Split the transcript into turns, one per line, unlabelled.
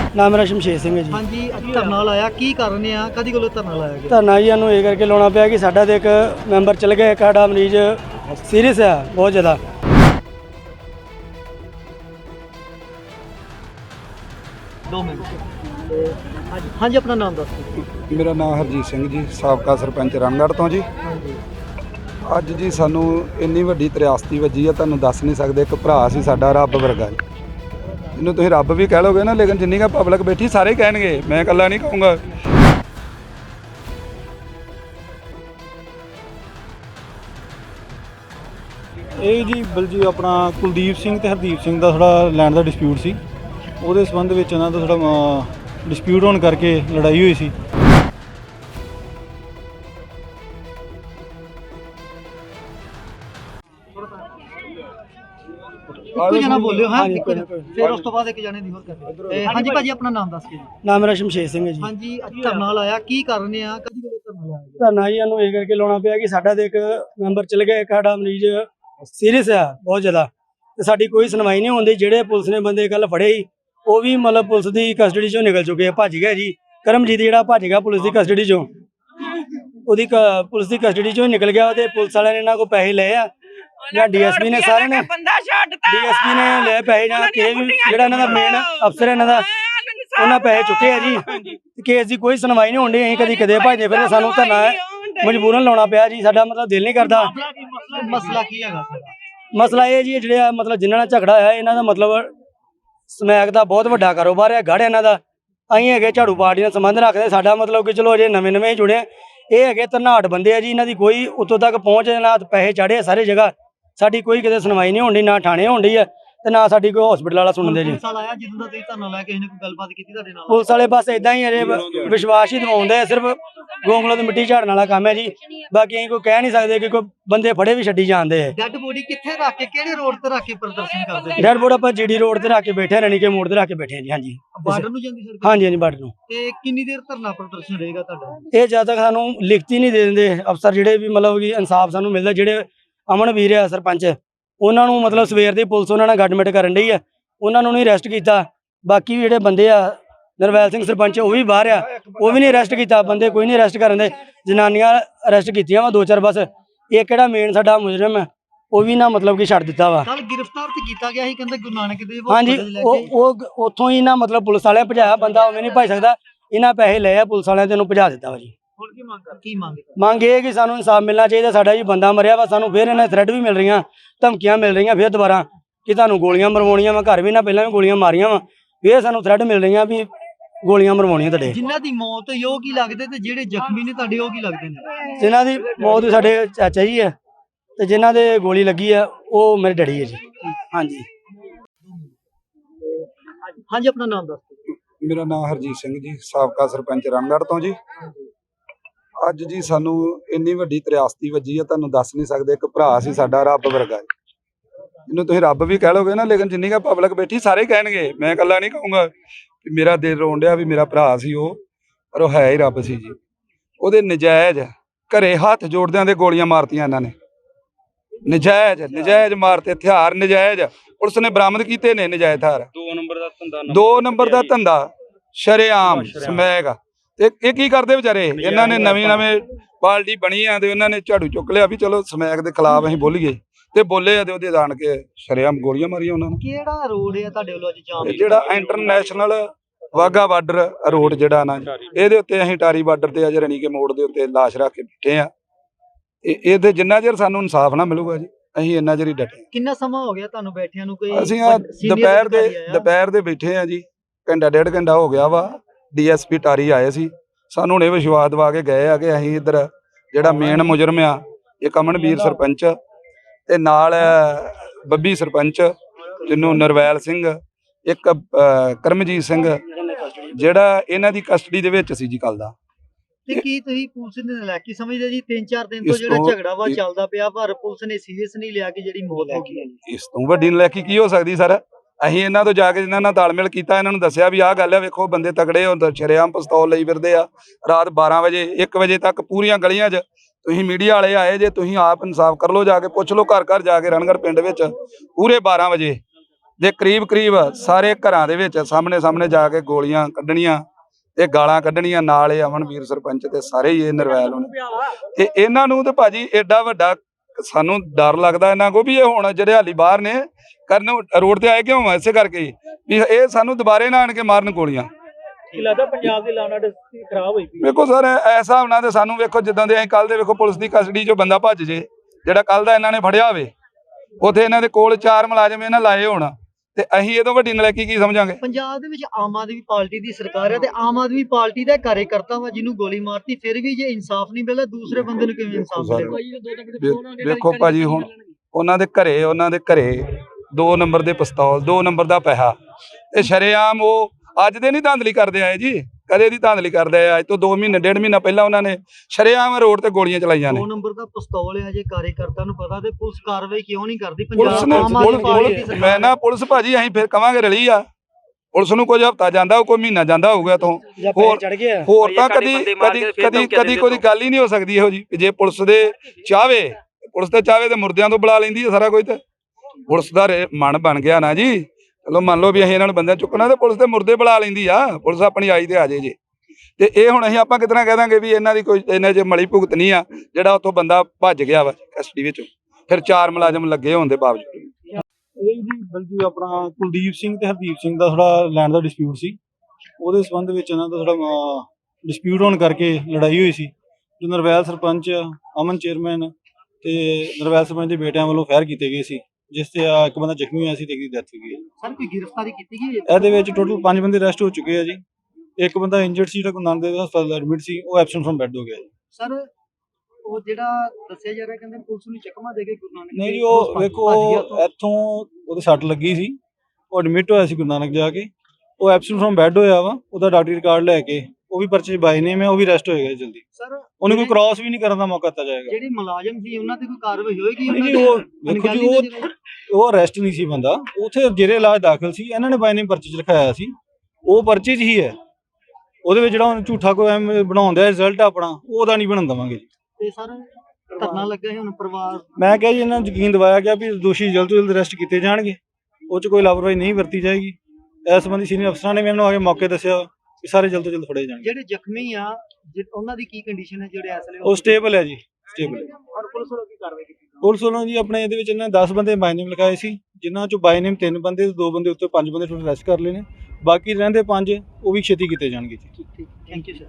ਨਾਮ ਮੇਰਾ ਸ਼ਮਸ਼ੇਰ ਸਿੰਘ ਹੈ ਜੀ।
ਹਾਂਜੀ, ਅੱਜ ਧਰਨਾ ਲਾਇਆ, ਕੀ ਕਾਰਨ ਆ, ਕਦੀ ਕੋਲੋਂ ਧਰਨਾ ਲਾਇਆ ਗਿਆ?
ਧਰਨਾ ਜੀ ਸਾਨੂੰ ਇਹ ਕਰਕੇ ਲਾਉਣਾ ਪਿਆ ਕਿ ਸਾਡਾ ਤੇ ਇੱਕ ਮੈਂਬਰ ਚਲ ਗਿਆ, ਇੱਕ ਸਾਡਾ ਮਰੀਜ਼ ਸੀਰੀਅਸ ਆ ਬਹੁਤ ਜ਼ਿਆਦਾ।
ਦੋ ਮਿੰਟ। ਹਾਂਜੀ, ਆਪਣਾ ਨਾਮ ਦੱਸ ਦਿਓ।
ਮੇਰਾ ਨਾਮ ਹਰਜੀਤ ਸਿੰਘ ਜੀ, ਸਾਬਕਾ ਸਰਪੰਚ ਰਣਗੜ੍ਹ ਤੋਂ ਜੀ।
ਹਾਂਜੀ,
ਅੱਜ ਜੀ ਸਾਨੂੰ ਇੰਨੀ ਵੱਡੀ ਤ੍ਰਿਆਸਤੀ ਵੱਜੀ ਆ, ਤੁਹਾਨੂੰ ਦੱਸ ਨਹੀਂ ਸਕਦੇ। ਇੱਕ ਭਰਾ ਸੀ ਸਾਡਾ, ਰੱਬ ਵਰਗਾ ਜੀ, ਇਹਨੂੰ ਤੁਸੀਂ ਰੱਬ ਵੀ ਕਹਿ ਲੋਗੇ ਨਾ, ਲੇਕਿਨ ਜਿੰਨੀ ਕਾ ਪਬਲਿਕ ਬੈਠੀ ਸਾਰੇ ਕਹਿਣਗੇ, ਮੈਂ ਇਕੱਲਾ ਨਹੀਂ ਕਹੂੰਗਾ।
ਇਹ ਜੀ ਬਲਜੀ ਆਪਣਾ ਕੁਲਦੀਪ ਸਿੰਘ ਤੇ ਹਰਦੀਪ ਸਿੰਘ ਦਾ ਥੋੜਾ ਲੈਂਡ ਦਾ ਡਿਸਪਿਊਟ ਸੀ, ਉਹਦੇ ਸੰਬੰਧ ਵਿੱਚ ਇਹਨਾਂ ਦਾ ਥੋੜਾ ਡਿਸਪਿਊਟ ਹੋਣ ਕਰਕੇ ਲੜਾਈ ਹੋਈ ਸੀ।
ਇੱਕੋ ਜਣਾ ਬੋਲਿਓ। ਹਾਂ,
ਹਾਂਜੀ,
ਇੱਕੋ ਜਣਾ। ਫਿਰ ਉਸ ਤੋਂ ਬਾਅਦ ਇੱਕ ਜਣੇ ਦੀ ਹੋਰ ਕਰਦੇ। ਹਾਂਜੀ ਭਾਜੀ, ਆਪਣਾ ਨਾਮ ਦੱਸ ਕੇ ਜੀ।
ਨਾਮ ਮੇਰਾ ਸ਼ਮਸ਼ੇਰ ਸਿੰਘ ਹੈ ਜੀ।
ਹਾਂਜੀ, ਅੱਜ ਧਰਨਾ ਲਾਇਆ, ਕੀ ਕਾਰਨ ਆ, ਕਦੀ ਕੋਲੋਂ ਧਰਨਾ ਲਾਇਆ ਗਿਆ?
ਧਰਨਾ ਜੀ ਸਾਨੂੰ ਇਹ ਕਰਕੇ ਲਾਉਣਾ ਪਿਆ ਕਿ ਸਾਡਾ ਤੇ ਇੱਕ ਮੈਂਬਰ ਚਲ ਗਿਆ, ਇੱਕ ਸਾਡਾ ਮਰੀਜ਼ ਸੀਰੀਅਸ ਆ ਬਹੁਤ ਜ਼ਿਆਦਾ, ਤੇ ਸਾਡੀ ਕੋਈ ਸੁਣਵਾਈ ਨਹੀਂ ਹੁੰਦੀ। ਜਿਹੜੇ ਪੁਲਿਸ ਨੇ ਬੰਦੇ ਕੱਲ ਫੜੇ ਸੀ ਉਹ ਵੀ ਮਤਲਬ ਪੁਲਿਸ ਦੀ ਕਸਟਡੀ ਚੋਂ ਨਿਕਲ ਚੁੱਕੇ ਆ, ਭੱਜ ਗਿਆ ਜੀ। ਕਰਮਜੀਤ ਜਿਹੜਾ ਭੱਜ ਗਿਆ ਪੁਲਿਸ ਦੀ ਕਸਟਡੀ ਚੋਂ, ਉਹਦੀ ਪੁਲਿਸ ਦੀ ਕਸਟਡੀ ਚੋਂ ਨਿਕਲ ਗਿਆ, ਤੇ ਪੁਲਿਸ ਵਾਲਿਆਂ ਨੇ ਇਹਨਾਂ ਕੋਲ ਪੈਸੇ ਲਏ ਆ, ਜਾਂ ਡੀਐਸਪੀ ਨੇ, ਸਾਰੇ ਨੇ ਡੀਐਸਪੀ ਨੇ ਲੈ ਪੈਸੇ, ਜਾਂ ਕਿਸੇ ਵੀ ਜਿਹੜਾ ਇਹਨਾਂ ਦਾ ਮੇਨ ਅਫਸਰ ਇਹਨਾਂ ਦਾ, ਉਹਨਾਂ ਪੈਸੇ ਚੁੱਕੇ ਆ ਜੀ। ਕੇਸ ਦੀ ਕੋਈ ਸੁਣਵਾਈ ਨਹੀਂ ਹੁੰਦੀ। ਅਸੀਂ ਕਦੀ ਕਦੇ ਭੱਜਦੇ ਫਿਰ ਸਾਨੂੰ ਧਰਨਾ ਮਜਬੂਰਨ ਲਾਉਣਾ ਪਿਆ ਜੀ। ਸਾਡਾ ਮਤਲਬ ਦਿਲ ਨਹੀਂ ਕਰਦਾ।
ਮਸਲਾ ਕੀ ਹੈਗਾ?
ਮਸਲਾ ਇਹ ਜੀ, ਜਿਹੜੇ ਆ ਮਤਲਬ ਜਿਨ੍ਹਾਂ ਨਾਲ ਝਗੜਾ ਹੋਇਆ, ਇਹਨਾਂ ਦਾ ਮਤਲਬ ਸਮੈਕ ਦਾ ਬਹੁਤ ਵੱਡਾ ਕਾਰੋਬਾਰ ਹੈ, ਗੜ੍ਹ ਇਹਨਾਂ ਦਾ। ਅਸੀਂ ਹੈਗੇ ਝਾੜੂ ਪਾਰਟੀ ਨਾਲ ਸੰਬੰਧ ਰੱਖਦੇ, ਸਾਡਾ ਮਤਲਬ ਕਿ ਚਲੋ ਅਜੇ ਨਵੇਂ ਜੁੜੇ, ਇਹ ਹੈਗੇ ਧਨਾਟ ਬੰਦੇ ਆ ਜੀ। ਇਹਨਾਂ ਦੀ ਕੋਈ ਉੱਤੋਂ ਤੱਕ ਪਹੁੰਚ ਨਾ, ਪੈਸੇ ਚਾੜੇ ਸਾਰੇ ਜਗ੍ਹਾ, ਸਾਡੀ ਕੋਈ ਕਿਤੇ ਸੁਣਵਾਈ ਨਹੀਂ ਹੁੰਦੀ, ਨਾ ਥਾਣੇ ਹੁੰਦੀ ਹੈ ਤੇ ਨਾ ਸਾਡੀ ਕੋਈ ਹਸਪੀਟਲ ਵਾਲਾ ਸੁਣਦੇ ਜੀ।
ਪੁਲਿਸ ਵਾਲਾ ਆਇਆ ਜਦੋਂ ਦਾ ਤੁਸੀਂ ਧਰਨਾ ਲਾਇਆ, ਕਿਸੇ ਨੇ ਕੋਈ ਗੱਲਬਾਤ ਕੀਤੀ ਤੁਹਾਡੇ ਨਾਲ?
ਪੁਲਿਸ ਵਾਲੇ ਬਸ ਇਦਾਂ ਹੀ ਅਜੇ ਵਿਸ਼ਵਾਸ ਹੀ ਦਿਵਾਉਂਦੇ ਆ, ਸਿਰਫ ਗੋਂਗਲੋਂ ਦੀ ਮਿੱਟੀ ਝਾੜਨ ਵਾਲਾ ਕੰਮ ਹੈ ਜੀ। ਬਾਕੀ ਅਸੀਂ ਕੋਈ ਕਹਿ ਨਹੀਂ ਸਕਦੇ ਕਿ ਕੋਈ ਬੰਦੇ ਫੜੇ ਵੀ ਛੱਡੀ ਜਾਂਦੇ ਆ।
ਡੈਡ ਬੋਡੀ ਕਿੱਥੇ ਰੱਖ ਕੇ, ਕਿਹੜੇ ਰੋਡ ਤੇ ਰੱਖ ਕੇ ਪ੍ਰਦਰਸ਼ਨ ਕਰਦੇ?
ਡੈਡ ਬੋਡੀ ਆਪਾਂ ਜੀਡੀ ਰੋਡ ਤੇ ਰੱਖ ਕੇ ਬੈਠੇ, ਰਣੀਕੇ ਮੋੜ ਤੇ ਰੱਖ ਕੇ ਬੈਠੇ ਆ ਜੀ। ਹਾਂਜੀ,
ਬਾਰਡਰ ਨੂੰ ਜਾਂਦੀ ਸੜਕ?
ਹਾਂਜੀ ਬਾਰਡਰ ਨੂੰ।
ਤੇ ਕਿੰਨੀ ਦੇਰ ਧਰਨਾ ਪ੍ਰਦਰਸ਼ਨ ਰਹੇਗਾ ਤੁਹਾਡਾ?
ਇਹ ਜਦ ਤੱਕ ਸਾਨੂੰ ਲਿਖਤੀ ਨਹੀਂ ਦੇ ਦਿੰਦੇ ਅਫਸਰ, ਜਿਹੜੇ ਵੀ ਮਤਲਬ ਕਿ ਇਨਸਾਫ ਸਾਨੂੰ ਮਿਲਦਾ, ਜਿਹੜੇ ਅਮਨ ਵੀਰ ਆ ਸਰਪੰਚ, ਉਹਨਾਂ ਨੂੰ ਮਤਲਬ ਸਵੇਰ ਦੀ ਪੁਲਿਸ ਉਹਨਾਂ ਨਾਲ ਗੱਡਮਿਟ ਕਰਨ ਡਈ ਆ, ਉਹਨਾਂ ਨੂੰ ਨਹੀਂ ਅਰੈਸਟ ਕੀਤਾ। ਬਾਕੀ ਵੀ ਜਿਹੜੇ ਬੰਦੇ ਆ, ਨਰਵੈਲ ਸਿੰਘ ਸਰਪੰਚ, ਉਹ ਵੀ ਬਾਹਰ ਆ, ਉਹ ਵੀ ਨਹੀਂ ਅਰੈਸਟ ਕੀਤਾ। ਬੰਦੇ ਕੋਈ ਨਹੀਂ ਅਰੈਸਟ ਕਰਨ ਦੇ, ਜਨਾਨੀਆਂ ਅਰੈਸਟ ਕੀਤੀਆਂ ਵਾ 2-4 ਬਸ। ਇਹ ਕਿਹੜਾ ਮੇਨ ਸਾਡਾ ਮੁਜਰਮ ਹੈ, ਉਹ ਵੀ ਨਾ ਮਤਲਬ ਕਿ ਛੱਡ ਦਿੱਤਾ ਵਾ।
ਕੱਲ ਗ੍ਰਿਫਤਾਰ ਤੇ ਕੀਤਾ ਗਿਆ ਸੀ, ਕਹਿੰਦੇ ਗੁਰੂ ਨਾਨਕ ਦੇਵ।
ਹਾਂਜੀ, ਉਹ ਉੱਥੋਂ ਹੀ ਨਾ ਮਤਲਬ ਪੁਲਿਸ ਵਾਲਿਆਂ ਭਜਾਇਆ, ਬੰਦਾ ਉਵੇਂ ਨਹੀਂ ਭਜ ਸਕਦਾ। ਇਹਨਾਂ ਪੈਸੇ ਲਏ ਆ ਪੁਲਿਸ ਵਾਲਿਆਂ ਤੇ, ਉਹਨੂੰ ਭਜਾ ਦਿੱਤਾ ਵਾ ਜੀ।
ਹੁਣ ਕੀ ਮੰਗ ਕੀ
ਮੰਗ ਇਹ ਕਿ ਸਾਨੂੰ ਇਨਸਾਫ ਮਿਲਣਾ ਚਾਹੀਦਾ। ਸਾਡਾ ਜੀ ਬੰਦਾ ਮਰਿਆ ਵਾ, ਸਾਨੂੰ ਫਿਰ ਇਹਨਾਂ ਥ੍ਰੈਡ ਵੀ ਮਿਲ ਰਹੀਆਂ, ਧਮਕੀਆਂ ਮਿਲ ਰਹੀਆਂ ਫਿਰ ਦੁਬਾਰਾ ਕਿ ਤੁਹਾਨੂੰ ਗੋਲੀਆਂ ਮਰਵਾਉਣੀਆਂ ਵਾ। ਘਰ ਵੀ ਨਾ ਪਹਿਲਾਂ ਵੀ ਗੋਲੀਆਂ ਮਾਰੀਆਂ ਵਾ, ਫਿਰ ਸਾਨੂੰ ਥ੍ਰੈਡ ਮਿਲ ਰਹੀਆਂ ਵੀ ਗੋਲੀਆਂ ਮਰਵਾਉਣੀਆਂ ਤੁਹਾਡੇ।
ਜਿਨ੍ਹਾਂ ਦੀ ਮੌਤ ਹੋਈ ਉਹ ਕੀ ਲੱਗਦੇ, ਤੇ ਜਿਹੜੇ ਜ਼ਖਮੀ ਨੇ ਤੁਹਾਡੇ ਉਹ ਕੀ ਲੱਗਦੇ ਨੇ?
ਜਿਨ੍ਹਾਂ ਦੀ ਮੌਤ ਸਾਡੇ ਚਾਚਾ ਜੀ ਹੈ, ਤੇ ਜਿਨ੍ਹਾਂ ਦੇ ਗੋਲੀ ਲੱਗੀ ਆ ਉਹ ਮੇਰੇ ਡੈਡੀ ਹੈ ਜੀ। ਹਾਂਜੀ,
ਹਾਂਜੀ, ਆਪਣਾ ਨਾਮ ਦੱਸ ਦਿਓ।
ਮੇਰਾ ਨਾਮ ਹਰਜੀਤ ਸਿੰਘ ਜੀ, ਸਾਬਕਾ ਸਰਪੰਚ ਰਣਗੜ੍ਹ ਤੋਂ ਜੀ। ਅੱਜ ਜੀ ਸਾਨੂੰ ਇੰਨੀ ਵੱਡੀ ਤ੍ਰਿਆਸਤੀ ਵੱਜੀ ਆ, ਤੁਹਾਨੂੰ ਦੱਸ ਨਹੀਂ ਸਕਦੇ। ਇੱਕ ਭਰਾ ਸੀ ਸਾਡਾ, ਰੱਬ ਵਰਗਾ ਜੀ, ਇਹਨੂੰ ਤੁਸੀਂ ਰੱਬ ਵੀ ਕਹਿ ਲੋਗੇ ਨਾ, ਲੇਕਿਨ ਜਿੰਨੀ ਕਾ ਪਬਲਿਕ ਬੈਠੀ ਸਾਰੇ ਕਹਿਣਗੇ, ਮੈਂ ਇਕੱਲਾ ਨਹੀਂ ਕਹੂੰਗਾ। ਮੇਰਾ ਦਿਲ ਰੋਣ ਡਿਆ ਵੀ ਮੇਰਾ ਭਰਾ ਸੀ ਉਹ, ਪਰ ਉਹ ਹੈ ਹੀ ਰੱਬ ਸੀ ਜੀ। ਉਹਦੇ ਨਜਾਇਜ਼ ਘਰੇ ਹੱਥ ਜੋੜਦਿਆਂ ਦੇ ਗੋਲੀਆਂ ਮਾਰਤੀਆਂ ਇਹਨਾਂ ਨੇ, ਨਜਾਇਜ਼ ਮਾਰਤੇ ਹਥਿਆਰ, ਨਜਾਇਜ਼ ਪੁਲਿਸ ਨੇ ਬਰਾਮਦ ਕੀਤੇ ਨੇ ਨਜਾਇਜ਼ ਹਥਿਆਰ। 2 ਨੰਬਰ ਦਾ ਧੰਦਾ ਸ਼ਰੇਆਮ ਸਮੈਕ। ਤੇ ਇਹ ਕੀ ਕਰਦੇ ਵਿਚਾਰੇ, ਇਹਨਾਂ ਨੇ ਨਵੀਂ ਪਾਰਟੀ ਬਣੀ ਆ, ਤੇ ਉਹਨਾਂ ਨੇ ਝਾੜੂ ਚੁੱਕ ਲਿਆ ਵੀ ਚਲੋ ਸਮੈਕ ਦੇ ਖਿਲਾਫ ਅਸੀਂ ਬੋਲੀਏ, ਤੇ ਬੋਲੇ ਆ, ਤੇ ਉਹਦੇ ਜਾਣ ਕੇ ਸ਼ਰੇਆਮ ਗੋਲੀਆਂ ਮਾਰੀਆਂ ਉਹਨਾਂ ਨੇ।
ਕਿਹੜਾ ਰੋਡ ਹੈ ਤੁਹਾਡੇ ਵੱਲੋਂ ਅੱਜ ਜਾਮ?
ਜਿਹੜਾ ਇੰਟਰਨੈਸ਼ਨਲ ਵਾਗਾ ਬਾਰਡਰ ਰੋਡ ਜਿਹੜਾ ਨਾ, ਇਹਦੇ ਉੱਤੇ ਅਸੀਂ ਟਾਰੀ ਬਾਰਡਰ ਤੇ ਅੱਜ ਰਣੀਕੇ ਮੋੜ ਦੇ ਉੱਤੇ ਲਾਸ਼ ਰੱਖ ਕੇ ਬੈਠੇ ਆ। ਇਹਦੇ ਜਿੰਨਾ ਚਿਰ ਸਾਨੂੰ ਇਨਸਾਫ ਨਾ ਮਿਲੂਗਾ ਜੀ, ਅਸੀਂ ਇੰਨਾ ਚਿਰ ਹੀ ਡਟੇ।
ਕਿੰਨਾ ਸਮਾਂ ਹੋ ਗਿਆ ਤੁਹਾਨੂੰ ਬੈਠਿਆਂ ਨੂੰ? ਕੋਈ
ਅਸੀਂ ਦੁਪਹਿਰ ਦੇ ਬੈਠੇ ਆ ਜੀ, ਘੰਟਾ 1.5 ਘੰਟਾ ਹੋ ਗਿਆ ਵਾ। ਡੀਐਸਪੀ ਟਾਰੀ ਆਏ ਸੀ, ਸਾਨੂੰ ਹੁਣੇ ਵਿਸ਼ਵਾਸ ਦਵਾ ਕੇ ਗਏ ਆ ਕਿ ਅਸੀਂ ਇੱਧਰ ਜਿਹੜਾ ਮੇਨ ਮੁਜਰਮ ਆ, ਇੱਕ ਅਮਨਵੀਰ ਸਰਪੰਚ ਤੇ ਨਾਲ ਬੱਬੀ ਸਰਪੰਚ, ਜਿਹਨੂੰ ਨਰਵੈਲ ਸਿੰਘ, ਇੱਕ ਕਰਮਜੀਤ ਸਿੰਘ, ਜਿਹੜਾ ਇਹਨਾਂ ਦੀ ਕਸਟਡੀ ਦੇ ਵਿੱਚ ਸੀ ਜੀ ਕੱਲ ਦਾ।
ਤੇ ਕੀ ਤੁਸੀਂ ਪੁਲਿਸ ਨੇ ਨਲਾਇਕੀ ਸਮਝਦੇ ਜੀ? 3-4 ਦਿਨ ਤੋਂ ਜਿਹੜਾ ਝਗੜਾ ਵਾ ਚੱਲਦਾ ਪਿਆ, ਪਰ ਪੁਲਿਸ ਨੇ ਸੀਰੀਅਸ ਨਹੀਂ ਲਿਆ ਕਿ ਜਿਹੜੀ ਮੌਤ ਹੋ ਗਈ।
ਇਸ ਤੋਂ ਵੱਡੀ ਨਲਾਇਕੀ ਕੀ ਹੋ ਸਕਦੀ ਸਰ? ਅਸੀਂ ਇਹਨਾਂ ਤੋਂ ਜਾ ਕੇ ਇਹਨਾਂ ਨਾਲ ਤਾਲਮੇਲ ਕੀਤਾ, ਇਹਨਾਂ ਨੂੰ ਦੱਸਿਆ ਵੀ ਆਹ ਗੱਲ ਹੈ, ਵੇਖੋ ਬੰਦੇ ਤਕੜੇ ਹੁੰਦੇ, ਸ਼ਰੇਆਮ ਪਿਸਤੌਲ ਲਈ ਫਿਰਦੇ ਆ। ਰਾਤ 12 ਵਜੇ 1 ਵਜੇ ਤੱਕ ਪੂਰੀਆਂ ਗਲੀਆਂ 'ਚ ਤੁਸੀਂ ਮੀਡੀਆ ਵਾਲੇ ਆਏ ਜੇ, ਤੁਸੀਂ ਆਪ ਇਨਸਾਫ ਕਰ ਲਓ, ਜਾ ਕੇ ਪੁੱਛ ਲਓ ਘਰ ਘਰ ਜਾ ਕੇ ਰਣਗੜ੍ਹ ਪਿੰਡ ਵਿੱਚ ਪੂਰੇ 12 ਵਜੇ ਦੇ ਕਰੀਬ ਸਾਰੇ ਘਰਾਂ ਦੇ ਵਿੱਚ ਸਾਹਮਣੇ ਜਾ ਕੇ ਗੋਲੀਆਂ ਕੱਢਣੀਆਂ ਤੇ ਗਾਲਾਂ ਕੱਢਣੀਆਂ। ਨਾਲ ਇਹ ਅਮਨਵੀਰ ਸਰਪੰਚ ਤੇ ਸਾਰੇ ਹੀ ਇਹ ਨਿਰਵੈਲ ਹੋਣੇ ਤੇ ਇਹਨਾਂ ਨੂੰ ਤੇ ਭਾਜੀ ਐਡਾ ਵੱਡਾ ਸਾਨੂੰ ਡਰ ਲੱਗਦਾ ਇਹਨਾਂ ਕੋ ਵੀ ਇਹ ਹੁਣ ਜਿਹੜੇ ਹਾਲੀ ਬਾਹਰ ਨੇ ਕਰਨ ਰੋਡ ਤੇ ਆਏ ਕਿਉਂ ਆ? ਇਸੇ ਕਰਕੇ ਹੀ ਵੀ ਇਹ ਸਾਨੂੰ ਦੁਬਾਰੇ ਨਾ ਆਣ ਕੇ ਮਾਰਨ ਗੋਲੀਆਂ।
ਕੀ ਲੱਗਦਾ ਪੰਜਾਬ ਦੀ ਲਾਉਣਾ ਖਰਾਬ ਹੋਈ ਪਈ?
ਵੇਖੋ ਸਰ ਐਸਾ ਹੋਣਾ ਤੇ ਸਾਨੂੰ ਵੇਖੋ ਜਿੱਦਾਂ ਦੇ ਅਸੀਂ ਕੱਲ ਦੇ ਵੇਖੋ ਪੁਲਿਸ ਦੀ ਕਸਟਡੀ ਚੋਂ ਬੰਦਾ ਭੱਜ ਜੇ ਜਿਹੜਾ ਕੱਲ ਦਾ ਇਹਨਾਂ ਨੇ ਫੜਿਆ ਹੋਵੇ, ਉੱਥੇ ਇਹਨਾਂ ਦੇ ਕੋਲ 4 ਮੁਲਾਜ਼ਮ ਇਹਨਾਂ ਲਾਏ ਹੋਣ ਤੇ ਅਸੀਂ ਇਹ ਤੋਂ ਵੱਡੀ ਨਲਾਇਕੀ ਕੀ ਸਮਝਾਂਗੇ?
ਪੰਜਾਬ ਦੇ ਵਿੱਚ ਆਮ ਆਦਮੀ ਪਾਰਟੀ ਦੀ ਸਰਕਾਰ ਹੈ ਤੇ ਆਮ ਆਦਮੀ ਪਾਰਟੀ ਦਾ ਕਾਰਜਕਰਤਾ ਵਾ ਜਿਹਨੂੰ ਗੋਲੀ ਮਾਰਤੀ, ਫਿਰ ਵੀ ਜੇ ਇਨਸਾਫ ਨਹੀਂ ਮਿਲਦਾ ਦੂਸਰੇ ਬੰਦੇ ਨੂੰ ਕਿਵੇਂ ਇਨਸਾਫ ਮਿਲੇਗਾ?
ਵੇਖੋ ਭਾਜੀ ਹੁਣ ਉਹਨਾਂ ਦੇ ਘਰੇ 2 ਨੰਬਰ ਦੇ ਪਿਸਤੌਲ, 2 ਨੰਬਰ ਦਾ ਪੈਸਾ, ਇਹ ਸ਼ਰੇਆਮ ਉਹ ਅੱਜ ਦੇ ਨਹੀਂ ਧਾਂਦਲੀ ਕਰਦੇ ਆਏ ਜੀ, ਕਦੇ ਦੀ ਧਾਂਦਲੀ ਕਰਦੇ ਆਏ। ਅੱਜ ਤੋਂ 2 ਮਹੀਨੇ 1.5 ਮਹੀਨਾ ਪਹਿਲਾਂ ਉਹਨਾਂ ਨੇ ਸ਼ਰੇਆਮ ਰੋਡ ਤੇ ਗੋਲੀਆਂ ਚਲਾਈਆਂ ਨੇ।
2 ਨੰਬਰ ਦਾ ਪਿਸਤੌਲ ਹੈ ਜੇ ਕਾਰਜਕਰਤਾ ਨੂੰ ਪਤਾ ਤੇ ਪੁਲਿਸ ਕਾਰਵਾਈ ਕਿਉਂ ਨਹੀਂ ਕਰਦੀ?
ਪੁਲਿਸ
ਪੰਜਾਬ
ਨੇ
ਆਮ ਆਦਮੀ ਪਾਰਟੀ ਦੀ ਸਰਕਾਰ
ਮੈਂ ਨਾ ਪੁਲਿਸ ਭਾਜੀ ਅਸੀਂ ਫਿਰ ਕਵਾਂਗੇ ਰਲੀ ਆ। ਪੁਲਿਸ ਨੂੰ ਕੁਝ ਹਫ਼ਤਾ ਜਾਂਦਾ, ਕੋਈ ਮਹੀਨਾ ਜਾਂਦਾ ਹੋਊਗਾ ਤੋਂ ਹੋਰ
ਚੜ ਗਿਆ
ਹੋਰ ਤਾਂ ਕਦੀ ਕੋਈ ਗੱਲ ਹੀ ਨਹੀਂ ਹੋ ਸਕਦੀ ਇਹੋ ਜੀ। ਜੇ ਪੁਲਿਸ ਦੇ ਚਾਹਵੇ ਤੇ ਮੁਰਦਿਆਂ ਤੋਂ ਬੁਲਾ ਲੈਂਦੀ ਹੈ ਸਾਰਾ ਕੁਝ। ਤੇ ਪੁਲਿਸ ਦਾ ਮਨ ਬਣ ਗਿਆ ਨਾ ਜੀ, ਚਲੋ ਮੰਨ ਲਓ ਵੀ ਅਸੀਂ ਇਹਨਾਂ ਨੂੰ ਬੰਦਿਆਂ ਚੁੱਕਣਾ ਤੇ ਪੁਲਿਸ ਤੇ ਮੁਰਦੇ ਬੁਲਾ ਲੈਂਦੀ ਆ। ਪੁਲਿਸ ਆਪਣੀ ਆਈ ਤੇ ਆ ਜੇ ਜੀ। ਤੇ ਇਹ ਹੁਣ ਅਸੀਂ ਆਪਾਂ ਕਿਤਨਾ ਕਹਿ ਦਾਂਗੇ ਵੀ ਇਹਨਾਂ ਦੀ ਕੋਈ ਇਹਨਾਂ 'ਚ ਮਲੀ ਭੁਗਤ ਨਹੀਂ ਆ ਜਿਹੜਾ ਉੱਥੋਂ ਬੰਦਾ ਭੱਜ ਗਿਆ ਵਾ ਕਸਟਡੀ ਵਿੱਚੋਂ, ਫਿਰ 4 ਮੁਲਾਜ਼ਮ ਲੱਗੇ ਹੋਣ ਦੇ ਬਾਵਜੂਦ।
ਇਹ ਜੀ ਬਲਕਿ ਆਪਣਾ ਕੁਲਦੀਪ ਸਿੰਘ ਤੇ ਹਰਦੀਪ ਸਿੰਘ ਦਾ ਥੋੜਾ ਲੈਂਡ ਦਾ ਡਿਸਪਿਊਟ ਸੀ। ਉਹਦੇ ਸੰਬੰਧ ਵਿੱਚ ਇਹਨਾਂ ਦਾ ਥੋੜਾ ਡਿਸਪਿਊਟ ਹੋਣ ਕਰਕੇ ਲੜਾਈ ਹੋਈ ਸੀ। ਜੋ ਨਰਵੈਲ ਸਰਪੰਚ, ਅਮਨ ਚੇਅਰਮੈਨ ਤੇ ਨਰਵੈਲ ਸਰਪੰਚ ਦੇ ਬੇਟਿਆਂ ਵੱਲੋਂ ਫਾਇਰ ਕੀਤੇ ਗਏ ਸੀ, ਜਿਸ ਤੇ ਇੱਕ ਬੰਦਾ ਜ਼ਖਮੀ ਹੋਇਆ ਸੀ ਤੇ ਇੱਕ ਦੀ ਡੈਥ ਹੋ ਗਈ ਹੈ।
ਸਰ ਕੋਈ ਗ੍ਰਿਫਤਾਰੀ ਕੀਤੀ ਗਈ ਹੈ?
ਇਹਦੇ ਵਿੱਚ ਟੋਟਲ 5 ਬੰਦੇ ਅਰੈਸਟ ਹੋ ਚੁੱਕੇ ਆ ਜੀ। ਇੱਕ ਬੰਦਾ ਇੰਜਰਡ ਸੀ ਜਿਹੜਾ ਗੁਰੂ ਨਾਨਕ ਦੇਵ ਹਸਪਤਾਲ ਐਡਮਿਟ ਸੀ, ਉਹ ਐਬਸੈਂਟ ਫਰਮ ਬੈੱਡ ਹੋ ਗਿਆ ਜੀ।
ਸਰ ਉਹ ਜਿਹੜਾ ਦੱਸਿਆ ਜਾ ਰਿਹਾ ਕਹਿੰਦੇ ਪੁਲਿਸ ਨੂੰ ਚਕਮਾ ਦੇ ਕੇ ਗੁਰੂ ਨਾਨਕ
ਨਹੀਂ ਜੀ,
ਦੇਵ
ਉਹ
ਹਸਪਤਾਲ
ਵੇਖੋ
ਭੱਜ ਗਿਆ ਉੱਥੋਂ।
ਇੱਥੋਂ ਉਹਦੇ ਸੱਟ ਲੱਗੀ ਸੀ, ਉਹ ਐਡਮਿਟ ਹੋਇਆ ਸੀ ਗੁਰੂ ਨਾਨਕ ਜਾ ਕੇ, ਉਹ ਐਬਸੈਂਟ ਫਰਮ ਬੈੱਡ ਹੋਇਆ ਵਾ। ਉਹਦਾ ਡਾਕਟਰੀ ਰਿਕਾਰਡ ਲੈ ਕੇ ਉਹ ਵੀ ਪਰਚੇ ਬਾਈ ਨੇਮ ਹੈ, ਉਹ ਵੀ ਅਰੈਸਟ ਹੋਏਗਾ ਜਲਦੀ।
ਸਰ
ਉਹਨੂੰ ਕੋਈ ਕ੍ਰਾਸ ਵੀ ਨਹੀਂ ਕਰਨ ਦਾ ਮੌਕਾ ਦਿੱਤਾ ਜਾਏਗਾ।
ਜਿਹੜੇ ਮੁਲਾਜ਼ਮ ਸੀ ਉਹਨਾਂ ਤੇ ਕੋਈ ਕਾਰਵਾਈ ਹੋਏਗੀ?
ਨਹੀਂ ਜੀ, ਉਹ ਵੇਖੋ ਜੀ, ਉਹ ਅਰੈਸਟ ਨਹੀਂ ਸੀ ਬੰਦਾ, ਉੱਥੇ ਜੇਰੇ ਇਲਾਜ ਦਾਖਲ ਸੀ। ਇਹਨਾਂ ਨੇ ਬਾਈ ਨੇਮ ਪਰਚੇ 'ਚ ਲਿਖਾਇਆ ਸੀ, ਉਹ ਪਰਚੇ 'ਚ ਹੀ ਹੈ। ਉਹਦੇ ਵਿੱਚ ਜਿਹੜਾ ਝੂਠਾ ਕੋਈ ਐਮ ਬਣਾਉਂਦਾ ਰਿਜ਼ਲਟ ਆਪਣਾ, ਉਹਦਾ ਨਹੀਂ ਬਣਨ ਦੇਵਾਂਗੇ ਜੀ।
ਤੇ ਸਰ ਧਰਨਾ ਲੱਗਾ ਹੈ ਹੁਣ ਪਰਿਵਾਰ।
ਮੈਂ ਕਿਹਾ ਜੀ ਇਹਨਾਂ ਨੂੰ ਯਕੀਨ ਦਿਵਾਇਆ ਗਿਆ ਵੀ ਦੋਸ਼ੀ ਜਲਦ ਤੋਂ ਜਲਦ ਅਰੈਸਟ ਕੀਤੇ ਜਾਣਗੇ, ਉਹ 'ਚ ਕੋਈ ਲਾਪਰਵਾਹੀ ਨਹੀਂ ਵਰਤੀ ਜਾਏਗੀ। ਇਸ ਸੰਬੰਧੀ ਸੀਨੀਅਰ ਅਫਸਰਾਂ ਨੇ ਮੈਨੂੰ ਆ ਕੇ ਮੌਕੇ ਦੱਸਿਆ ਕਿ ਸਾਰੇ ਜਲਦ ਤੋਂ ਜਲਦ ਫੜੇ ਜਾਣਗੇ।
ਜਿਹੜੇ ਜ਼ਖਮੀ ਆ ਉਹਨਾਂ ਦੀ ਕੀ ਕੰਡੀਸ਼ਨ ਹੈ ਜਿਹੜੇ ਇਸ ਵੇਲੇ?
ਉਹ ਸਟੇਬਲ ਹੈ ਜੀ, ਸਟੇਬਲ ਹੈ।
ਔਰ ਪੁਲਿਸ ਵੱਲੋਂ ਕੀ ਕਾਰਵਾਈ ਕੀਤੀ?
ਪੁਲਿਸ ਵੱਲੋਂ ਜੀ ਆਪਣੇ ਇਹਦੇ ਵਿੱਚ ਇਹਨਾਂ 10 ਬੰਦੇ ਬਾਈ ਨੇਮ ਲਿਖਾਏ ਸੀ, ਜਿਨ੍ਹਾਂ 'ਚੋਂ ਬਾਈ ਨੇਮ 3 ਬੰਦੇ, 2 ਬੰਦੇ ਉੱਤੇ 5 ਬੰਦੇ ਟੋਟਲ ਅਰੈਸਟ ਕਰ ਲਏ ਨੇ। ਬਾਕੀ ਰਹਿੰਦੇ 5 ਉਹ ਵੀ ਛੇਤੀ ਕੀਤੇ ਜਾਣਗੇ ਜੀ।
Thank you sir.